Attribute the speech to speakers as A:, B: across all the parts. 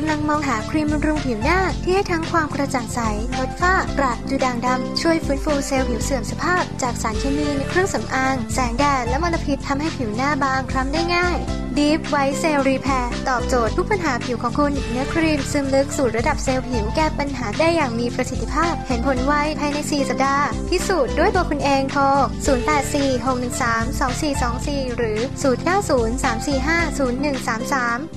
A: ำลังมองหาครีมบำรุงผิวหน้าที่ให้ทั้งความกระจ่างใสลดฝ้ากระดูด่างดำช่วยฟื้นฟูเซลล์ผิวเสื่อมสภาพจากสารเคมีในเครื่องสำอางแสงแดดและมลพิษทำให้ผิวหน้าบางคล้ำได้ง่าย Deep White Cell Repair ตอบโจทย์ทุกปัญหาผิวของคุณเนื้อครีมซึมลึกสู่ระดับเซลล์ผิวแก้ปัญหาได้อย่างมีประสิทธิภาพเห็นผลไวภายใน4สัปดาห์พิสูจน์ด้วยตัวคุณเองโทร0846132424หรือ0903450133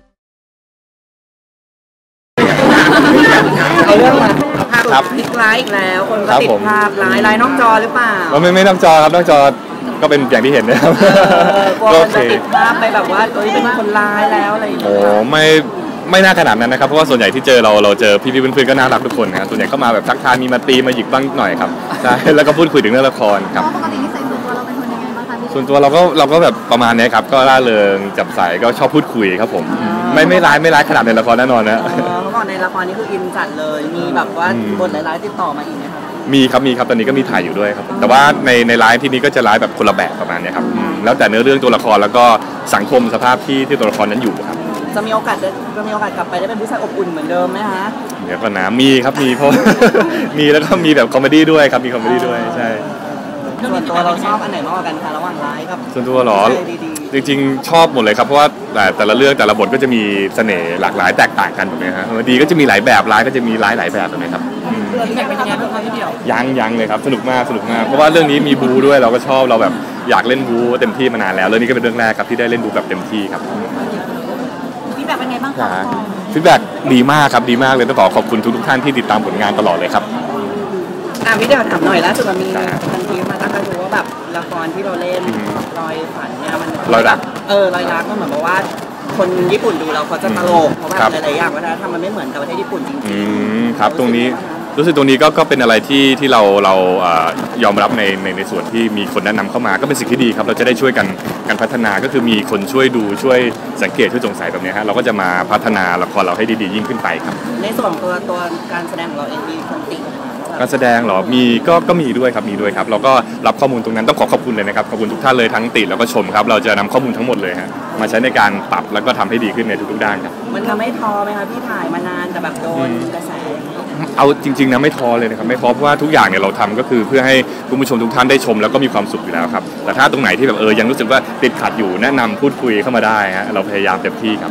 B: เอาเรื่องมาภาพพลิกร้ายอีกแล้วคนก็ติดภาพร้ายนอกจอหรือเปล่า
C: ไม่นอกจอครับนอกจอก็เป็นอย่างที่เห็นนะครับ
B: ก็จะติดภาพไปแบบว่าเป็นคนร้ายแล้วอะไรอย่างเงี้ย
C: โอ้ไม่น่าขนาดนั้นนะครับเพราะว่าส่วนใหญ่ที่เจอเราเจอพี่ๆเพื่อนๆก็น่ารักทุกคนนะครับส่วนใหญ่ก็มาแบบทักทายมีมาตีมาหยิกบ้างหน่อยครับใช่แล้วก็พูดคุยถึงเรื่องละครครับ
D: ปกตินิสัยส่วนตัวเราเป็นคนยังไงบ้างคะ
C: ส่วนตัวเราก็แบบประมาณนี้ครับก็ร่าเริงจับใสก็ชอบพูดคุยครับผมไม่ร้ายขนาดในละครแน่นอนนะ
B: เมื่อก่อนในละครนี่คืออินจัดเลยมีแบบว่าบทร้ายๆติดต่อมาอีกไหมครับ
C: มีครับตอนนี้ก็มีถ่ายอยู่ด้วยครับแต่ว่าในไลฟ์ที่นี้ก็จะไลฟ์แบบคนละแบบประมาณนี้ครับแล้วแต่เนื้อเรื่องตัวละครแล้วก็สังคมสภาพที่ตัวละครนั้นอยู่ครับ
B: จะมีโอกาสกลับไปได้เป็นผู้ชายอบอุ่นเหมือนเดิมไหมฮะ
C: เดี๋ยวก่อนนะมีครับมีเพราะ มีแล้วก็มีแบบคอมเมดี้ด้วยครับมีคอมเมดี้ด้วยใช่
B: ส่วนตัวเราชอบอันไหนมากกว่ากันคะระหว่างไลฟ์กับ
C: ส่วนตัวหรอจริงๆชอบหมดเลยครับเพราะว่าแต่ละเรื่องแต่ละบทก็จะมีเสน่ห์หลากหลายแตกต่างกันแบบนี้ฮะดีก็จะมีหลายแบบร้ายก็จะมีหลายแบบแบบนี้ครับ
B: พี่แม็กเป็นยังไงบ้างคะพี่เดี่ยว
C: ยังเลยครับสนุกมากเพราะว่าเรื่องนี้มีบูด้วยเราก็ชอบเราแบบอยากเล่นบูเต็มที่มานานแล้วเรื่องนี้ก็เป็นเรื่องแรกครับที่ได้เล่นบูแบบเต็มที่ครับ
D: พี่แม็กเป็นไงบ้างคะ
C: ฟีดแบ็กดีมากครับดีมากเลยต้องขอบคุณทุกท่านที่ติดตามผลงานตลอดเลยครับ
B: พี่เดี่ยวถามหน่อยล่าสุดมันมีทันทีมาตั้งแต่ดูว่าแบบละครที่เราเล่นรอยฝันเนี่ยมัน
C: รอยรัก
B: รอยรักก็เหมือนกับว่าคนญี่ปุ่นดูเราเขาจะตลกเพราะว่าหลายๆอย่างวัฒนธรรมมันไม่เหมือนกับประเทศญี่ปุ่นจริง
C: ๆครับตรงนี้รู้สึกตรงนี้ก็เป็นอะไรที่เรายอมรับในส่วนที่มีคนแนะนำเข้ามาก็เป็นสิ่งที่ดีครับเราจะได้ช่วยกันพัฒนาก็คือมีคนช่วยดูช่วยสังเกตช่วยสงสัยแบบนี้ฮะเราก็จะมาพัฒนาละครเราให้ดีๆยิ่งขึ้นไปครับ
B: ในส่วนตัวการแสดงของเราเองมีคนติ
C: การแสดงหรอมีก็มีด้วยครับเราก็รับข้อมูลตรงนั้นต้องขอบคุณเลยนะครับขอบคุณทุกท่านเลยทั้งติแล้วก็ชมครับเราจะนำข้อมูลทั้งหมดเลยฮะมาใช้ในการปรับแล้วก็ทำให้ดีขึ้นในทุกๆด้านครับ
B: มันทำให้ท้อไหมคะพี่ถ่ายมานานแต่แบบโดนกระแส
C: เอาจริงๆนะไม่ท้อเลยนะครับไม่ท้อเพราะว่าทุกอย่างเนี่ยเราทำก็คือเพื่อให้คุณผู้ชมทุกท่านได้ชมแล้วก็มีความสุขอยู่แล้วครับแต่ถ้าตรงไหนที่แบบยังรู้สึกว่าติดขัดอยู่แนะนำพูดคุยเข้ามาได้ฮะเราพยายามเต็มที่ครับ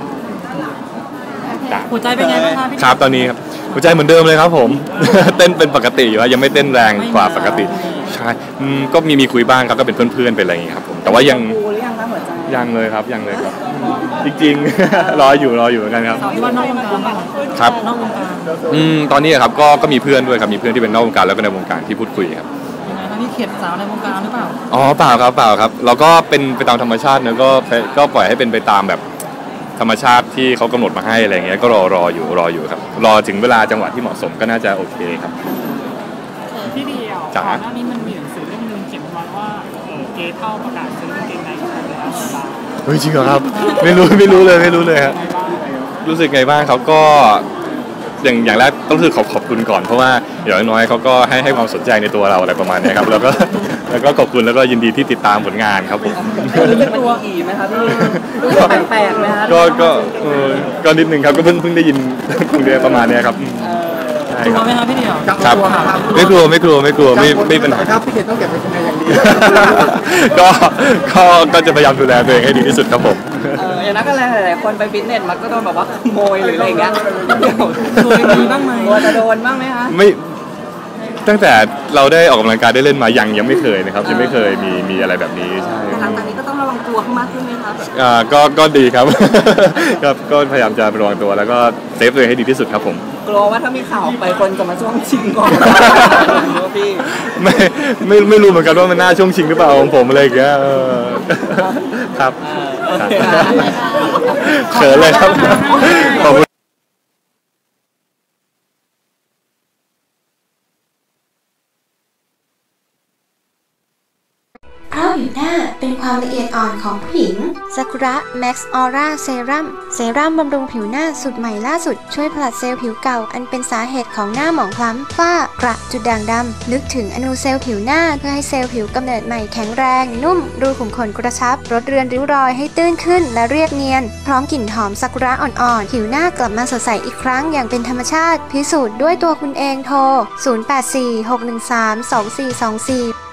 D: หัวใจเป็นไงบ้างคะพี่
C: ครับตอนนี้ครับหัวใจเหมือนเดิมเลยครับผมเต้นเป็นปกติอยู่ยังไม่เต้นแรงกว่าปกติใช่ก็มีคุยบ้างครับก็เป็นเพื่อนๆเป็นอะไรอย่างเงี้ยครับผมแต่ว่ายังเลยครับจริงๆรออยู่เหมือนกันครับ
D: ที่ว่านอกวงการ
C: ครับนอกวงการตอนนี้ครับก็มีเพื่อนด้วยครับมีเพื่อนที่เป็นนอกวงการแล้วก็ในวงการที่พูดคุยครับ
D: ยังไงคะนี่เข็ดสาวในวงการหรือเปล่า
C: เปล่าครับเราก็เป็นไปตามธรรมชาตินะก็ปล่อยให้เป็นไปตามแบบธรรมชาติที่เขากำหนดมาให้อะไรเงี้ยก็รออยู่ครับรอถึงเวลาจังหวะที่เหมาะสมก็น่าจะโอเคครับ
D: ที่เดียวก่อนหน้านี้มันมีหนังสือเล่มนึงเขียนไว้ว่าเกย์เท่าประกาศซื้อกางเกงในแล้ว
C: เฮ้ยจริงเหรอครับไม่รู้เลยครับรู้สึกไงบ้างเขาก็อย่างแรกต้องรู้สึกขอบคุณก่อนเพราะว่าอย่างน้อยเขาก็ให้ความสนใจในตัวเราอะไรประมาณนี้ครับแล้วก็ขอบคุณแล้วก็ยินดีที่ติดตามผลงานครับผม
B: รู้สึกตัวอีไหมครับพี่รู้สึกแปลกไหมครับ
C: ก็นิดนึงครับก็เพิ่งได้ยินคุยประมาณนี้ครับ
D: กลัวไหมครับพี่เดี่ยว
C: ครับไม่กลัวไม่เป็นไร
B: ครับพี่เดี่ยวต้องเก็บไว้ในอย่างดี
C: ก็จะพยายามดูแลตัวเองให้ดีที่สุดครับผม
B: อย่างนั้นก็หลายคนไปฟิตเนสมันก็โดนแบบว่าขโมยหรืออะไรอย่างเงี้ย
D: เคยมีบ้างไหม
B: จะโดนบ้างไหมคะ
C: ไม่ตั้งแต่เราได้ออกกำลังกายได้เล่นมายังไม่เคยนะครับยังไม่เคยมีอะไรแบบนี้ใช่
B: หลังจากนี้ก็ต้องระวังตัวมากขึ้นไหมครับ
C: ก็ดีครับก็พยายามจะระวังตัวแล้วก็เซฟตัวเองให้ดีที่สุดครับผม
B: กลัวว่าถ้ามีข่าวไปคนจะมาช่วงชิงก่อนพี่
C: ไม่รู้เหมือนกันว่ามันน่าช่วงชิงหรือเปล่าของผมอะไรอย่างเงี้ยครับเขินเลยครับขอบคุณ
A: เพราะผิวหน้าเป็นความความละเอียดอ่อนของผู้หญิงซากุระแม็กซ์ออร่าเซรั่มบำรุงผิวหน้าสูตรใหม่ล่าสุดช่วยผลัดเซลล์ผิวเก่าอันเป็นสาเหตุของหน้าหมองคล้ำฝ้ากระจุดด่างดำลึกถึงอนูเซลล์ผิวหน้าเพื่อให้เซลล์ผิวกำเนิดใหม่แข็งแรงนุ่มรูขุมขนกระชับลดเรือนริ้วรอยให้ตื้นขึ้นและเรียบเนียนพร้อมกลิ่นหอมซากุระอ่อนๆผิวหน้ากลับมาสดใสอีกครั้งอย่างเป็นธรรมชาติพิสูจน์ด้วยตัวคุณเองโทร 0846132424